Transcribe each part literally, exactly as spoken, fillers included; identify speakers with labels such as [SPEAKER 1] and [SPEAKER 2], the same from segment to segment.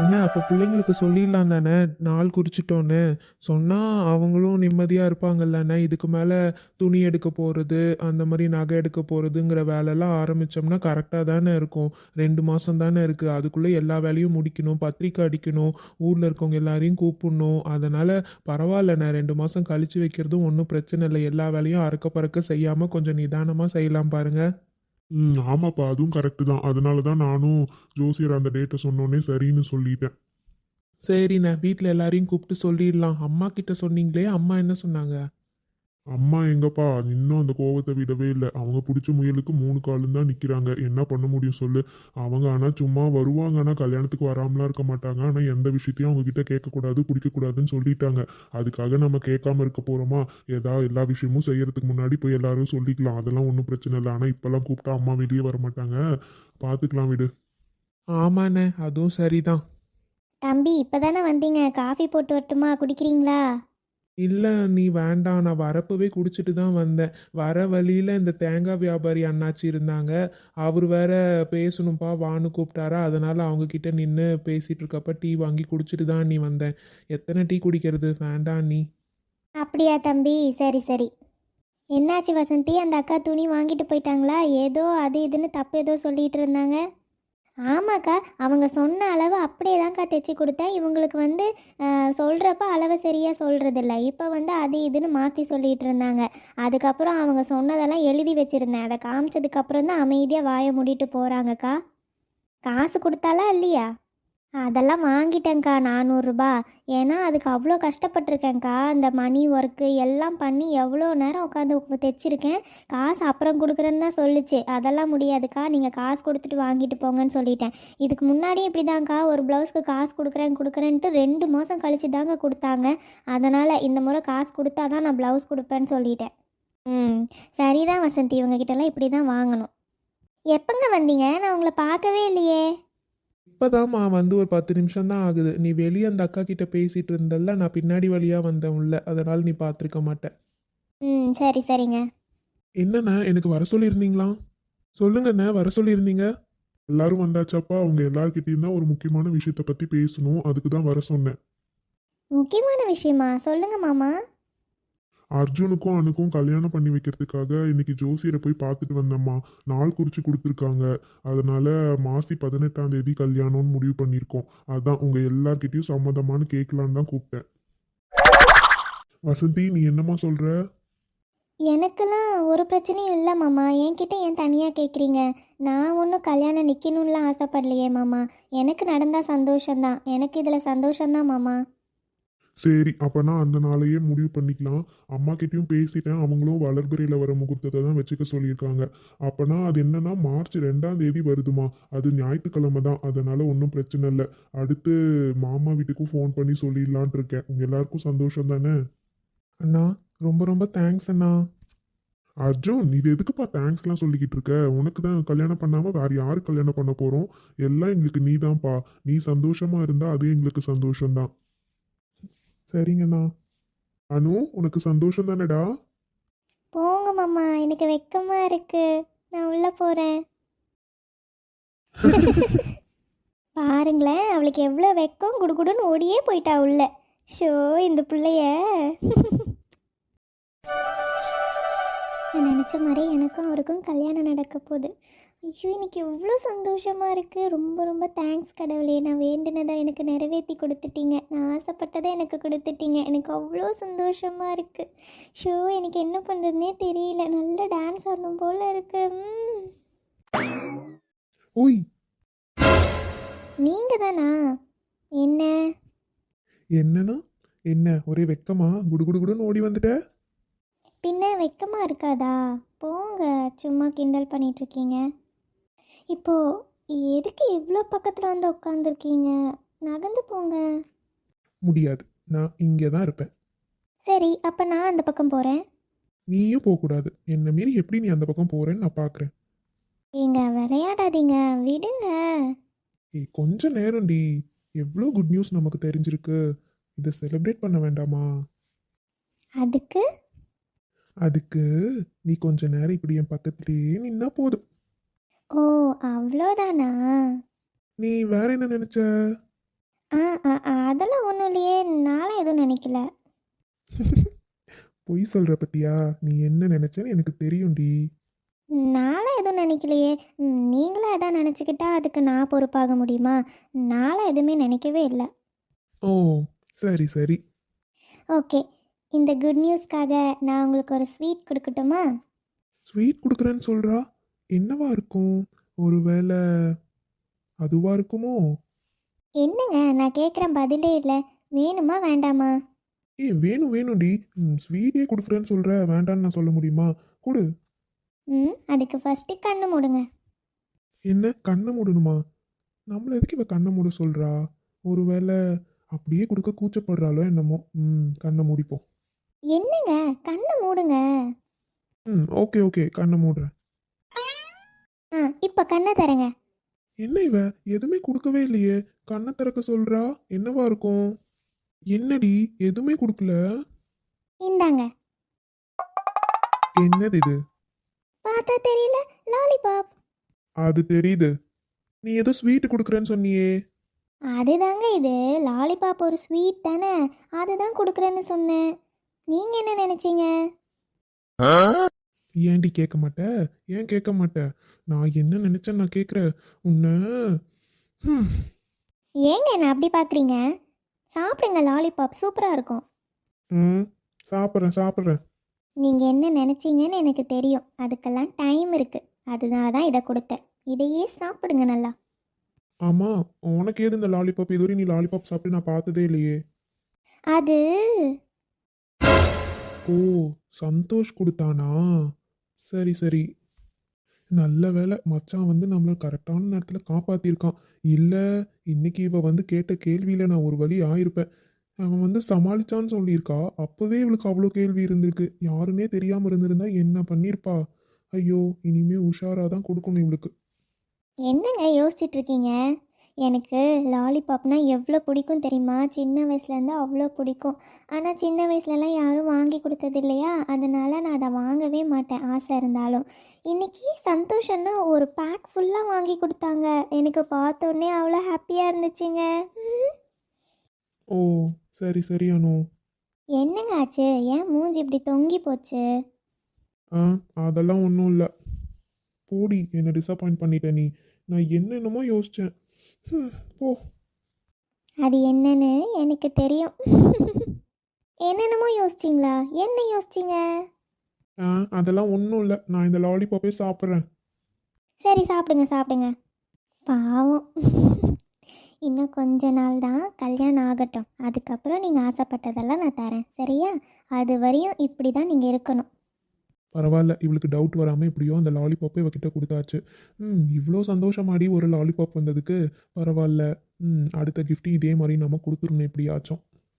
[SPEAKER 1] என்ன அப்போ பிள்ளைங்களுக்கு சொல்லிடலாம் தானே நாள் குறிச்சிட்டோன்னு சொன்னால் அவங்களும் நிம்மதியாக இருப்பாங்கல்லண்ணே. இதுக்கு மேலே துணி எடுக்க போகிறது அந்த மாதிரி நகை எடுக்க போகிறதுங்கிற வேலைலாம் ஆரம்பித்தோம்னா கரெக்டாக தானே இருக்கும். ரெண்டு மாதம் தானே இருக்குது, அதுக்குள்ளே எல்லா வேலையும் முடிக்கணும், பத்திரிக்கை அடிக்கணும், ஊரில் இருக்கவங்க எல்லாரையும் கூப்பிடணும். அதனால் பரவாயில்லண்ணே, ரெண்டு மாதம் கழித்து வைக்கிறதும் ஒன்றும் பிரச்சனை இல்லை. எல்லா வேலையும் அறக்க பறக்க செய்யாமல் கொஞ்சம் நிதானமாக செய்யலாம் பாருங்கள்.
[SPEAKER 2] ம் ஆமாப்பா, அதுவும் கரெக்டு தான். அதனால தான் நானும் ஜோசியர் அந்த டேட்டை சொன்னோன்னே சரின்னு சொல்லிட்டேன்.
[SPEAKER 1] சரிண்ணே, வீட்டில் எல்லாரையும் கூப்பிட்டு சொல்லிடலாம். அம்மா கிட்ட சொன்னீங்களே, அம்மா என்ன சொன்னாங்க?
[SPEAKER 2] அம்மா எங்கப்பா இன்னும் அந்த கோவத்தை விடவே இல்லை. அவங்க பிடிச்ச முயலுக்கு மூணு காலும் தான் நிற்கிறாங்க. என்ன பண்ண முடியும் சொல்லு. அவங்க ஆனால் சும்மா வருவாங்க, ஆனால் கல்யாணத்துக்கு வராமலாம் இருக்க மாட்டாங்க. ஆனால் எந்த விஷயத்தையும் அவங்க கிட்ட கேட்கக்கூடாது, பிடிக்கக்கூடாதுன்னு சொல்லிட்டாங்க. அதுக்காக நம்ம கேட்காம இருக்க போகிறோமா? ஏதா எல்லா விஷயமும் செய்யறதுக்கு முன்னாடி போய் எல்லாரும் சொல்லிக்கலாம், அதெல்லாம் ஒன்றும் பிரச்சனை இல்லை. ஆனால் இப்போல்லாம் கூப்பிட்டா அம்மா வெளியே வர மாட்டாங்க. பார்த்துக்கலாம் விடு.
[SPEAKER 1] ஆமாண்ணே, அதுவும் சரிதான்.
[SPEAKER 3] தம்பி இப்போ தானே வந்தீங்க, காஃபி போட்டு வரட்டுமா, குடிக்கிறீங்களா?
[SPEAKER 1] இல்லை நீ வேண்டாம், நான் வரப்பவே குடிச்சிட்டு தான் வந்தேன். வர வழியில் இந்த தேங்காய் வியாபாரி அண்ணாச்சி இருந்தாங்க. அவர் வேற பேசணும்ப்பா வான்னு கூப்பிட்டாரா, அதனால் அவங்கக்கிட்ட நின்று பேசிகிட்டு இருக்கப்ப டீ வாங்கி குடிச்சிட்டு தான் நீ வந்தேன். எத்தனை டீ குடிக்கிறது, வேண்டாம் நீ.
[SPEAKER 3] அப்படியா தம்பி, சரி சரி. என்னாச்சு வசந்தி, அந்த அக்கா துணி வாங்கிட்டு போயிட்டாங்களா? ஏதோ அது இதுன்னு தப்பு ஏதோ சொல்லிட்டு இருந்தாங்க. ஆமாக்கா, அவங்க சொன்ன அளவு அப்படியே தான்க்கா தைச்சி கொடுத்தேன். இவங்களுக்கு வந்து சொல்கிறப்ப அளவு சரியாக சொல்கிறதில்ல. இப்போ வந்து அது இதுன்னு மாற்றி சொல்லிகிட்டு இருந்தாங்க. அதுக்கப்புறம் அவங்க சொன்னதெல்லாம் எழுதி வச்சுருந்தேன். அதை காமிச்சதுக்கப்புறம் தான் அமைதியாக வாயை மூடிட்டு போகிறாங்கக்கா. காசு கொடுத்தாலா இல்லையா? அதெல்லாம் வாங்கிட்டேங்க்கா, நானூறுரூபா. ஏன்னா அதுக்கு அவ்வளோ கஷ்டப்பட்டிருக்கேங்க்கா. அந்த மணி ஒர்க்கு எல்லாம் பண்ணி எவ்வளோ நேரம் உட்காந்து தைச்சிருக்கேன். காசு அப்புறம் கொடுக்குறேன்னு தான் சொல்லிச்சு. அதெல்லாம் முடியாதுக்கா, நீங்கள் காசு கொடுத்துட்டு வாங்கிட்டு போங்கன்னு சொல்லிட்டேன். இதுக்கு முன்னாடியும் இப்படி தாங்க்கா, ஒரு ப்ளவுஸ்க்கு காசு கொடுக்குறேன் கொடுக்குறேன்ட்டு ரெண்டு மாதம் கழிச்சு தாங்க கொடுத்தாங்க. அதனால் இந்த முறை காசு கொடுத்தா தான் நான் ப்ளவுஸ் கொடுப்பேன்னு சொல்லிட்டேன். ம் சரிதான் வசந்தி, இவங்ககிட்டலாம் இப்படி தான் வாங்கணும். எப்போங்க வந்தீங்க? நான் உங்களை பார்க்கவே இல்லையே.
[SPEAKER 1] இப்போதாம்மா வந்து ஒரு பத்து நிமிஷம் தான் ஆகுது. நீ வெளியே அந்த அக்கா கிட்ட பேசிகிட்டு இருந்தல்ல, நான் பின்னாடி வழியாக வந்தேன் உள்ள, அதனால் நீ பார்த்துருக்க மாட்டேன்.
[SPEAKER 3] ம் சரி சரிங்க.
[SPEAKER 1] என்னண்ணே, எனக்கு வர சொல்லியிருந்தீங்களா? சொல்லுங்கண்ணே, வர சொல்லியிருந்தீங்க.
[SPEAKER 2] எல்லாரும் வந்தாச்சாப்பா? அவங்க எல்லார்கிட்டயும் தான் ஒரு முக்கியமான விஷயத்தை பற்றி பேசணும், அதுக்கு தான் வர சொன்னேன்.
[SPEAKER 3] முக்கியமான விஷயமா? சொல்லுங்க மாமா.
[SPEAKER 2] அர்ஜுனுக்கும் அனுக்கும் கல்யாணம் பண்ணி வைக்கிறதுக்காக இன்னைக்கு ஜோசியரை போய் பார்த்துட்டு வந்தம்மா. நாள் குறித்து கொடுத்துருக்காங்க. அதனால மாசி பதினெட்டாம் தேதி கல்யாணம்னு முடிவு பண்ணியிருக்கோம். அதான் உங்கள் எல்லார்கிட்டயும் சம்மதமானு கேட்கலான்னு தான் கூப்பிட்டேன். வசந்தி, நீ என்னம்மா சொல்கிற?
[SPEAKER 3] எனக்கெல்லாம் ஒரு பிரச்சனையும் இல்லை மாமா. என்கிட்ட ஏன் தனியாக கேட்குறீங்க? நான் ஒன்றும் கல்யாணம் நிற்கணும்லாம் ஆசைப்படலையே மாமா. எனக்கு நடந்தால் சந்தோஷந்தான். எனக்கு இதில் சந்தோஷந்தான் மாமா.
[SPEAKER 2] சரி, அப்போனா அந்த நாளையே முடிவு பண்ணிக்கலாம். அம்மா கிட்டேயும் பேசிட்டேன், அவங்களும் வளர்பிறையில் வர முகூர்த்தத்தை தான் வச்சுக்க சொல்லியிருக்காங்க. அப்போனா அது என்னன்னா மார்ச் ரெண்டாம் தேதி வருதுமா. அது ஞாயிற்றுக்கிழமை தான், அதனால் ஒன்றும் பிரச்சனை இல்லை. அடுத்து மாமா வீட்டுக்கும் ஃபோன் பண்ணி சொல்லிடலான் இருக்கேன். உங்கள் எல்லாருக்கும் சந்தோஷம் தானே?
[SPEAKER 1] அண்ணா, ரொம்ப ரொம்ப தேங்க்ஸ் அண்ணா.
[SPEAKER 2] அர்ஜுன், இது எதுக்குப்பா தேங்க்ஸ்லாம் சொல்லிக்கிட்டு இருக்க? உனக்கு தான் கல்யாணம் பண்ணாமல் வேறு யாரு கல்யாணம் பண்ண போகிறோம்? எல்லாம் எங்களுக்கு நீ தான்ப்பா. நீ சந்தோஷமாக இருந்தால் அது எங்களுக்கு சந்தோஷம்தான்.
[SPEAKER 1] சரிங்கண்ணா.
[SPEAKER 2] அனு, உனக்கு சந்தோஷம் தானேடா?
[SPEAKER 3] போங்க மாமா, எனக்கு வெக்கமாக இருக்கு. நான் உள்ளே போகிறேன். பாருங்களேன், அவளுக்கு எவ்வளோ வெக்கம், குடுகுடுன்னு ஓடியே போயிட்டா உள்ள. ஷோ இந்த பிள்ளைய. நான் நினச்ச மாதிரி எனக்கும் அவருக்கும் கல்யாணம் நடக்க போகுது. ஐயோ, இன்னைக்கு எவ்வளோ சந்தோஷமாக இருக்குது. ரொம்ப ரொம்ப தேங்க்ஸ் கடவுளே. நான் வேண்டினதை எனக்கு நிறைவேற்றி கொடுத்துட்டீங்க. நான் ஆசைப்பட்டதை எனக்கு கொடுத்துட்டீங்க. எனக்கு அவ்வளோ சந்தோஷமாக இருக்குது. ஷோ எனக்கு என்ன பண்ணுறதுனே தெரியல. நல்ல டான்ஸ் ஆடணும் போல் இருக்கு.
[SPEAKER 1] ஓய்,
[SPEAKER 3] நீங்கள் தானா? என்ன?
[SPEAKER 1] என்னண்ணா? என்ன ஒரே வெக்கமா? குடு குடு குடுன்னு ஓடி வந்துட்ட?
[SPEAKER 3] பின்ன வெக்கமாக இருக்காதா? போங்க, சும்மா கிண்டல் பண்ணிகிட்ருக்கீங்க. இப்போது எதுக்கு இவ்வளோ பக்கத்தில் வந்து உட்காந்துருக்கீங்க? நகர்ந்து போங்க.
[SPEAKER 1] முடியாது, நான் இங்கே தான் இருப்பேன்.
[SPEAKER 3] சரி, அப்போ நான் அந்த பக்கம் போகிறேன்.
[SPEAKER 1] நீயும் போகக்கூடாது. என்னை மீறி எப்படி நீ அந்த பக்கம் போகிறேன்னு நான் பார்க்குறேன்.
[SPEAKER 3] ஏங்க விளையாடாதீங்க, விடுங்க.
[SPEAKER 1] ஏய், கொஞ்ச நேரம்டி. எவ்வளோ குட் நியூஸ் நமக்கு தெரிஞ்சிருக்கு. இதை செலிப்ரேட் பண்ண வேண்டாமா?
[SPEAKER 3] அதுக்கு
[SPEAKER 1] அதுக்கு நீ கொஞ்ச நேரம் இப்படி என் பக்கத்துலேயே நின்னா போதும்.
[SPEAKER 3] ஓ, அவ்வளோதானா?
[SPEAKER 1] நீ வேற என்ன நினைச்ச?
[SPEAKER 3] ஆ ஆ ஆ, அதெல்லாம் ஒன்றும் இல்லையே, நானும் எதுவும் நினைக்கல.
[SPEAKER 1] பொய் சொல்கிற பத்தியா? நீ என்ன நினச்சேன்னு எனக்கு தெரியும்டி.
[SPEAKER 3] நானும் எதுவும் நினைக்கலையே. ம், நீங்களும் எதாவது நினச்சிக்கிட்டா அதுக்கு நான் பொறுப்பாக முடியுமா? நானும் எதுவுமே நினைக்கவே இல்லை.
[SPEAKER 1] ஓ, சரி சரி.
[SPEAKER 3] ஓகே, இந்த குட் நியூஸ்க்காக நான் உங்களுக்கு ஒரு ஸ்வீட் கொடுக்கட்டுமா?
[SPEAKER 1] ஸ்வீட் கொடுக்குறேன்னு சொல்கிறா. என்னவா இருக்கும்? ஒருவேளை அதுவா இருக்குமோ?
[SPEAKER 3] என்னங்க, நான் கேட்குறேன் பதிலே இல்லை. வேணுமா வேண்டாமா?
[SPEAKER 1] ஏய், வேணும் வேணும்டி. ம், ஸ்வீட்டே கொடுக்குறேன்னு சொல்கிற, வேண்டான்னு நான் சொல்ல முடியுமா? கொடு.
[SPEAKER 3] ம், அதுக்கு ஃபஸ்ட்டு கண்ணு மூடுங்க.
[SPEAKER 1] என்ன, கண்ணை மூடணுமா? நம்மள எதுக்கு இவ கண்ணை மூட சொல்கிறா? ஒருவேளை அப்படியே கொடுக்க கூச்சப்படுறாளோ என்னமோ. ம், கண்ணை மூடிப்போம்.
[SPEAKER 3] என்னங்க, கண்ணை மூடுங்க.
[SPEAKER 1] ம், ஓகே ஓகே, கண்ணை மூடுறேன்.
[SPEAKER 3] ஆ, இப்போ கண்ணை தரங்க.
[SPEAKER 1] என்ன இவ எதுவுமே கொடுக்கவே இல்லையே, கண்ணை திறக்க சொல்றா. என்னவா இருக்கும்? என்னடி, எதுவுமே கொடுக்கல?
[SPEAKER 3] இந்தாங்க.
[SPEAKER 1] என்னது இது?
[SPEAKER 3] பார்த்தா தெரியல, லாலிபாப்.
[SPEAKER 1] அது தெரியுது. நீ ஏதோ ஸ்வீட் கொடுக்குறேன்னு சொன்னியே.
[SPEAKER 3] அதுதாங்க இது, லாலிபாப் ஒரு ஸ்வீட் தானே, அதுதான் கொடுக்குறேன்னு சொன்னேன். நீங்கள் என்ன நினச்சிங்க?
[SPEAKER 1] ஏன்டி கேட்க மாட்ட? ஏன் கேட்க மாட்ட? நான் என்ன நினைச்சேன் நான் கேட்குறேன் உன்னை. ஹம்,
[SPEAKER 3] ஏங்க என்ன அப்படி பார்க்குறீங்க? சாப்பிடுங்க, லாலிபாப் சூப்பராக இருக்கும்.
[SPEAKER 1] ம், சாப்பிட்றேன் சாப்பிட்றேன்.
[SPEAKER 3] நீங்கள் என்ன நினச்சிங்கன்னு எனக்கு தெரியும், அதுக்கெல்லாம் டைம் இருக்குது. அதனால தான் இதை கொடுத்தேன். இதையே சாப்பிடுங்க நல்லா.
[SPEAKER 1] ஆமாம், உனக்கு ஏது இந்த லாலிபாப்? இதுவரை நீ லாலிபாப் சாப்பிட்டு நான் பார்த்ததே இல்லையே.
[SPEAKER 3] அது
[SPEAKER 1] ஓ, சந்தோஷ் கொடுத்தானா? சரி சரி. நல்ல வேளை மச்சான் வந்து நம்மளை கரெக்டான நேரத்தில் காப்பாற்றிருக்கான். இல்லை, இன்னைக்கு இவ வந்து கேட்ட கேள்வியில் நான் ஒரு வழி ஆயிருப்பேன். அவன் வந்து சமாளிச்சான்னு சொல்லியிருக்கா. அப்போவே இவளுக்கு அவ்வளோ கேள்வி இருந்திருக்கு. யாருன்னே தெரியாமல் இருந்திருந்தா என்ன பண்ணியிருப்பா? ஐயோ, இனிமே உஷாராக தான் கொடுக்கணும் இவளுக்கு.
[SPEAKER 3] என்னங்க யோசிச்சுட்டு இருக்கீங்க? எனக்கு லாலிபாப்னா எவ்வளோ பிடிக்கும் தெரியுமா? சின்ன வயசுலேருந்து அவ்வளோ பிடிக்கும். ஆனால் சின்ன வயசுலலாம் யாரும் வாங்கி கொடுத்தது இல்லையா, அதனால் நான் அதை வாங்கவே மாட்டேன் ஆசை இருந்தாலும். இன்றைக்கி சந்தோஷம்னா ஒரு பேக் ஃபுல்லாக வாங்கி கொடுத்தாங்க. எனக்கு பார்த்தோன்னே அவ்வளோ ஹாப்பியாக இருந்துச்சுங்க. ம்.
[SPEAKER 1] ஓ, சரி சரி அனு.
[SPEAKER 3] என்னங்க ஆச்சு? ஏன் மூஞ்சி இப்படி தொங்கி போச்சு?
[SPEAKER 1] ஆ, அதெல்லாம் ஒன்றும் இல்லை. போடி, என்னை டிசப்பாயிண்ட் பண்ணிட்ட நீ. நான் என்னென்னமோ யோசித்தேன். போ.
[SPEAKER 3] அது என்னன்னு எனக்கு தெரியும். என்னென்னமோ யோசிச்சிங்களா? என்ன யோசிச்சிங்க?
[SPEAKER 1] ஆ, அதெல்லாம் ஒன்றும் இல்லை. நான் இந்த லாலிபாப்பே சாப்பிட்றேன்.
[SPEAKER 3] சரி, சாப்பிடுங்க சாப்பிடுங்க. பாவம். இன்னும் கொஞ்ச நாள் தான் கல்யாணம் ஆகட்டும். அதுக்கப்புறம் நீங்கள் ஆசைப்பட்டதெல்லாம் நான் தரேன், சரியா? அது வரையும் இப்படி தான் நீங்கள் இருக்கணும்.
[SPEAKER 1] பரவாயில்ல, இவளுக்கு டவுட் வராமல் எப்படியோ அந்த லாலிபாப்பை இவகிட்ட கொடுத்தாச்சு. ம், இவ்வளோ சந்தோஷமாடி ஒரு லாலிபாப் வந்ததுக்கு. பரவாயில்ல. ம், அடுத்த gift இதே மாதிரி நம்ம கொடுத்துருணும் எப்படியாச்சும்.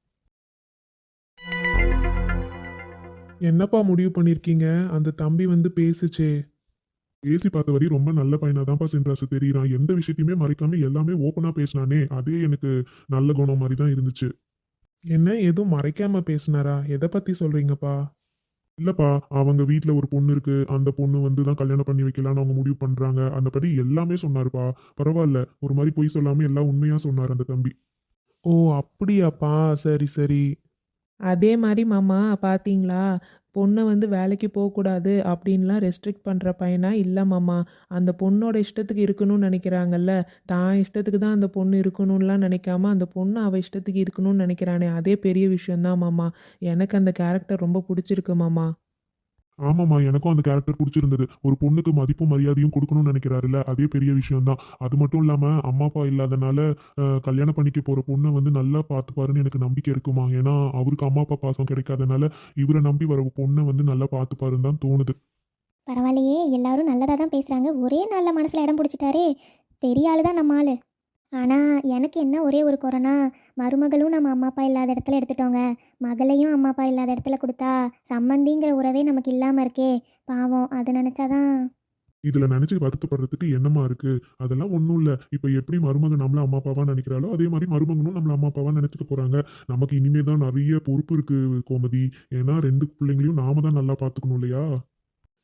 [SPEAKER 1] என்னப்பா முடிவு பண்ணியிருக்கீங்க? அந்த தம்பி வந்து பேசுச்சே.
[SPEAKER 2] பேசி பார்த்த வரை ரொம்ப நல்ல பையனா தான்ப்பா சின்ராசு தெரியுறான். எந்த விஷயத்தையுமே மறைக்காம எல்லாமே ஓப்பனா பேசினானே, அதே எனக்கு நல்ல குணம் மாதிரி தான் இருந்துச்சு.
[SPEAKER 1] என்ன, எதுவும் மறைக்காம பேசுனாரா? எதை பற்றி சொல்கிறீங்கப்பா?
[SPEAKER 2] இல்லப்பா, அவங்க வீட்ல ஒரு பொண்ணு இருக்கு. அந்த பொண்ணு வந்து தான் கல்யாணம் பண்ணி வைக்கலாம்னு அவங்க முடிவு பண்றாங்க. அந்த படி எல்லாமே சொன்னாருப்பா. பரவாயில்ல, ஒரு மாதிரி பொய் சொல்லாம எல்லாம் உண்மையா சொன்னார் அந்த தம்பி.
[SPEAKER 1] ஓ, அப்படியாப்பா? சரி சரி.
[SPEAKER 4] அதே மாதிரி மாமா பார்த்தீங்களா, பொண்ணை வந்து வேலைக்கு போகக்கூடாது அப்படின்லாம் ரெஸ்ட்ரிக்ட் பண்ணுற பையனா இல்லை மாமா. அந்த பொண்ணோட இஷ்டத்துக்கு இருக்கணும்னு நினைக்கிறாங்கல்ல, தான் இஷ்டத்துக்கு தான் அந்த பொண்ணு இருக்கணும்லாம் நினைக்காம அந்த பொண்ணு அவள் இஷ்டத்துக்கு இருக்கணும்னு நினைக்கிறானே, அதே பெரிய விஷயந்தான் மாமா. எனக்கு அந்த கேரக்டர் ரொம்ப பிடிச்சிருக்கு மாமா.
[SPEAKER 2] ஆமாம்மா, எனக்கும் அந்த கேரக்டர் பிடிச்சிருந்தது. ஒரு பொண்ணுக்கு மதிப்பும் மரியாதையும் கொடுக்கணும்னு நினைக்கிறாருல்ல, அதே பெரிய விஷயம்தான். அது மட்டும் இல்லாம அம்மா அப்பா இல்லாதனால அஹ், கல்யாணம் பண்ணிக்க போற பொண்ணை வந்து நல்லா பார்த்துப்பாருன்னு எனக்கு நம்பிக்கை இருக்குமா. ஏன்னா அவருக்கு அம்மா அப்பா பாசம் கிடைக்காதனால இவரை நம்பி வர பொண்ணை வந்து நல்லா பார்த்துப்பாருன்னு தான் தோணுது.
[SPEAKER 3] பரவாயில்லையே, எல்லாரும் நல்லதாக தான் பேசுகிறாங்க. ஒரே நாளில் மனசில் இடம் பிடிச்சிட்டாரே, பெரிய ஆள் தான் நம்ம ஆள். ஆனால் எனக்கு என்ன ஒரே ஒரு குறைனா, மருமகளும் நம்ம அம்மா அப்பா இல்லாத இடத்துல எடுத்துட்டோங்க. மகளையும் அம்மா அப்பா இல்லாத இடத்துல கொடுத்தா சம்மந்திங்கிற உறவே நமக்கு இல்லாமல் இருக்கே. பாவம், அதை நினச்சாதான்.
[SPEAKER 2] இதுல நினைச்சு வருத்தப்படுறதுக்கு என்னமா இருக்கு? அதெல்லாம் ஒண்ணும் இல்ல. இப்ப எப்படி மருமகன் நம்மள அம்மா அப்பாவா நினைக்கிறாளோ அதே மாதிரி மருமகனும் நம்மள அம்மா அப்பாவா நினைச்சிட்டு போறாங்க. நமக்கு இனிமே தான் நிறைய பொறுப்பு இருக்கு கோமதி. ஏன்னா ரெண்டு பிள்ளைங்களையும் நாம தான் நல்லா பாத்துக்கணும் இல்லையா?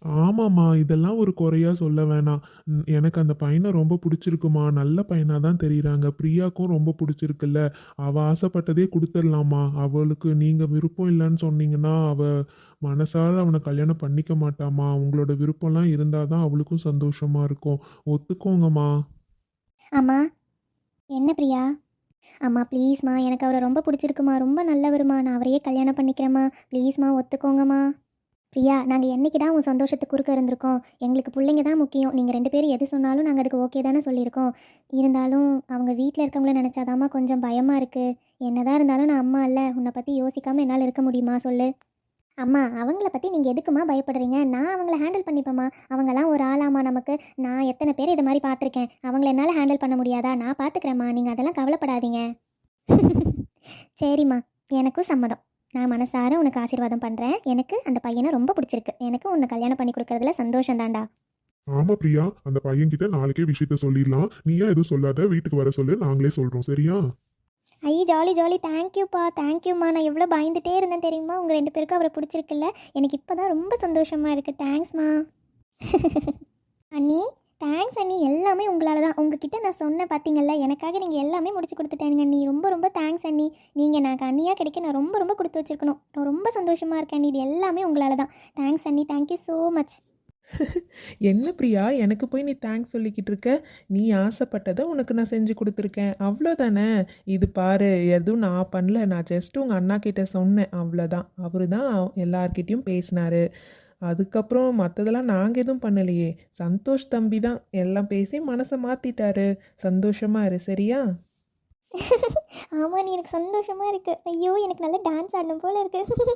[SPEAKER 1] ஆமாம்மா, இதெல்லாம் ஒரு குறையா சொல்ல வேணாம். ம், எனக்கு அந்த பையனை ரொம்ப பிடிச்சிருக்குமா. நல்ல பையனா தான் தெரியுறாங்க. பிரியாக்கும் ரொம்ப பிடிச்சிருக்குல்ல. அவ ஆசைப்பட்டதே கொடுத்துடலாமா. அவளுக்கு நீங்க விருப்பம் இல்லைன்னு சொன்னீங்கன்னா அவ மனசார அவனை கல்யாணம் பண்ணிக்க மாட்டாமா. உங்களோட விருப்பம்லாம் இருந்தால் தான் அவளுக்கும் சந்தோஷமா இருக்கும். ஒத்துக்கோங்கம்மா.
[SPEAKER 3] அம்மா என்ன பிரியா? அம்மா ப்ளீஸ்மா, எனக்கு அவரை ரொம்ப பிடிச்சிருக்குமா, ரொம்ப நல்லவருமா, நான் அவரையே கல்யாணம் பண்ணிக்கிறேம்மா, ப்ளீஸ்மா ஒத்துக்கோங்கம்மா. பிரியா, நாங்கள் என்னைக்குடா உன் சந்தோஷத்துக்கு குறுக்க இருந்திருக்கோம்? எங்களுக்கு பிள்ளைங்க தான் முக்கியம். நீங்கள் ரெண்டு பேரும் எது சொன்னாலும் நாங்கள் அதுக்கு ஓகே தானே சொல்லியிருக்கோம். இருந்தாலும் அவங்க வீட்டில் இருக்கவங்கள நினச்சாதாம்மா கொஞ்சம் பயமாக இருக்குது. என்னதான் இருந்தாலும் நான் அம்மா இல்லை, உன்னை பற்றி யோசிக்காமல் என்னால் இருக்க முடியுமா சொல்லு. அம்மா, அவங்கள பற்றி நீங்கள் எதுக்குமா பயப்படுறீங்க? நான் அவங்கள ஹேண்டில் பண்ணிப்பேம்மா. அவங்களாம் ஒரு ஆளாமா நமக்கு. நான் எத்தனை பேர் இது மாதிரி பார்த்துருக்கேன். அவங்கள என்னால் ஹேண்டில் பண்ண முடியாதா? நான் பார்த்துக்கிறேம்மா, நீங்கள் அதெல்லாம் கவலைப்படாதீங்க. சரிம்மா, எனக்கும் சம்மதம். நான் மனசார உனக்கு ஆசீர்வாதம் பண்ணுறேன். எனக்கு அந்த பையனை ரொம்ப பிடிச்சிருக்கு. எனக்கு உன்னை கல்யாணம் பண்ணி கொடுக்கறதுல சந்தோஷம் தான்டா.
[SPEAKER 2] ஆமா பிரியா, அந்த பையன்கிட்ட நாளைக்கே விஷயத்த சொல்லிடலாம். நீயா எதுவும் சொல்லாத, வீட்டுக்கு வர சொல்லு, நாங்களே சொல்றோம். சரியா?
[SPEAKER 3] ஐ ஜாலி ஜாலி, தேங்க்யூப்பா தேங்க்யூம்மா. நான் எவ்வளோ பயந்துட்டே இருந்தேன் தெரியுமா? உங்கள் ரெண்டு பேருக்கும் அவரை பிடிச்சிருக்குல்ல. எனக்கு இப்போ தான் ரொம்ப சந்தோஷமாக இருக்குது. தேங்க்ஸ்மா. அண்ணி, தேங்க்ஸ் அண்ணி. எல்லாமே உங்களால் தான். உங்ககிட்ட நான் சொன்னேன் பார்த்தீங்கல்ல, எனக்காக நீங்கள் எல்லாமே முடிச்சு கொடுத்துட்டேங்க அண்ணி. ரொம்ப ரொம்ப தேங்க்ஸ் அண்ணி. நீங்கள் எனக்கு அண்ணியாக கிடைக்க நான் ரொம்ப ரொம்ப கொடுத்து வச்சுருக்கணும். நான் ரொம்ப சந்தோஷமாக இருக்கேன் அண்ணி. இது எல்லாமே உங்களால் தான். தேங்க்ஸ் அண்ணி, தேங்க்யூ ஸோ மச்.
[SPEAKER 4] என்ன பிரியா, எனக்கு போய் நீ தேங்க்ஸ் சொல்லிக்கிட்டு இருக்க? நீ ஆசைப்பட்டதை உனக்கு நான் செஞ்சு கொடுத்துருக்கேன், அவ்வளோதானே. இது பாரு, எதுவும் நான் பண்ணல, நான் ஜஸ்ட் உங்கள் அண்ணா கிட்ட சொன்னேன், அவ்வளோதான். அவரு தான் எல்லார்கிட்டையும் பேசினாரு. அதுக்கப்புறம் மற்றதெல்லாம் நாங்கள் எதுவும் பண்ணலையே. சந்தோஷ் தம்பி தான் எல்லாம் பேசி மனசை மாற்றிட்டாரு. சந்தோஷமா இரு, சரியா?
[SPEAKER 3] ஆமாம், நீ எனக்கு சந்தோஷமாக இருக்குது. ஐயோ, எனக்கு நல்லா டான்ஸ் ஆடணும் போல இருக்குது.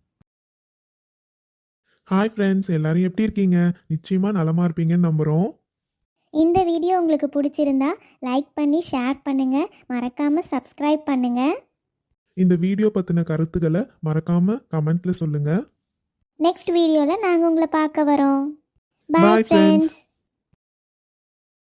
[SPEAKER 1] ஹாய் ஃப்ரெண்ட்ஸ், எல்லாரும் எப்படி இருக்கீங்க? நிச்சயமாக நலமாக இருப்பீங்கன்னு நம்புகிறோம்.
[SPEAKER 3] இந்த வீடியோ உங்களுக்கு பிடிச்சிருந்தா லைக் பண்ணி ஷேர் பண்ணுங்கள். மறக்காமல் சப்ஸ்கிரைப் பண்ணுங்கள்.
[SPEAKER 1] இந்த வீடியோ பற்றின கருத்துக்களை மறக்காமல் கமெண்ட்டில் சொல்லுங்கள்.
[SPEAKER 3] நெக்ஸ்ட் வீடியோவில் நாங்கள் உங்களை பார்க்க வரோம்.
[SPEAKER 1] Bye,
[SPEAKER 3] bye
[SPEAKER 1] friends.
[SPEAKER 3] ஃப்ரெண்ட்ஸ்.